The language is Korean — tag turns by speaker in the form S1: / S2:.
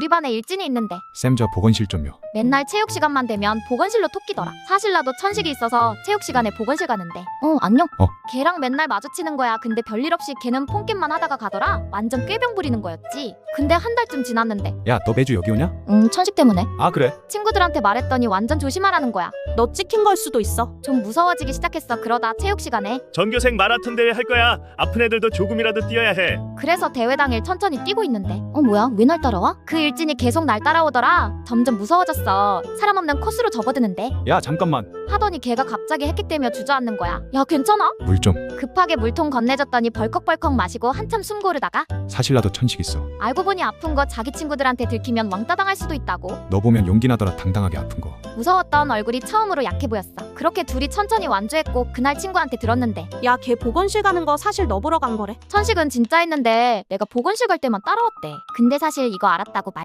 S1: 우리 반에 일진이 있는데
S2: 쌤 저 보건실 좀요.
S1: 맨날 체육 시간만 되면 보건실로 토끼더라. 사실 나도 천식이 있어서 체육 시간에 보건실 가는데 안녕? 걔랑 맨날 마주치는 거야. 근데 별일 없이 걔는 폰게임만 하다가 가더라. 완전 꾀병 부리는 거였지. 근데 한 달쯤 지났는데
S2: 야 너 매주 여기 오냐?
S1: 천식 때문에
S2: 아 그래?
S1: 친구들한테 말했더니 완전 조심하라는 거야.
S3: 너 찍힌 걸 수도 있어.
S1: 좀 무서워지기 시작했어. 그러다 체육 시간에
S4: 전교생 마라톤 대회 할 거야. 아픈 애들도 조금이라도 뛰어야 해.
S1: 그래서 대회 당일 천천히 뛰고 있는데 뭐야 왜 날 따라와? 그 일진이 계속 날 따라오더라. 점점 무서워졌어. 사람 없는 코스로 접어드는데
S2: 야 잠깐만.
S1: 하더니 걔가 갑자기 헥헥대며 주저앉는 거야. 야 괜찮아?
S2: 물 좀.
S1: 급하게 물통 건네줬더니 벌컥벌컥 마시고 한참 숨 고르다가
S2: 사실 나도 천식 있어.
S1: 알고 보니 아픈 거 자기 친구들한테 들키면 왕따 당할 수도 있다고.
S2: 너 보면 용기 나더라 당당하게 아픈 거.
S1: 무서웠던 얼굴이 처음으로 약해 보였어. 그렇게 둘이 천천히 완주했고 그날 친구한테 들었는데
S3: 야, 걔 보건실 가는 거 사실 너 보러 간 거래.
S1: 천식은 진짜 했는데 내가 보건실 갈 때만 따라왔대. 근데 사실 이거 알았다고 말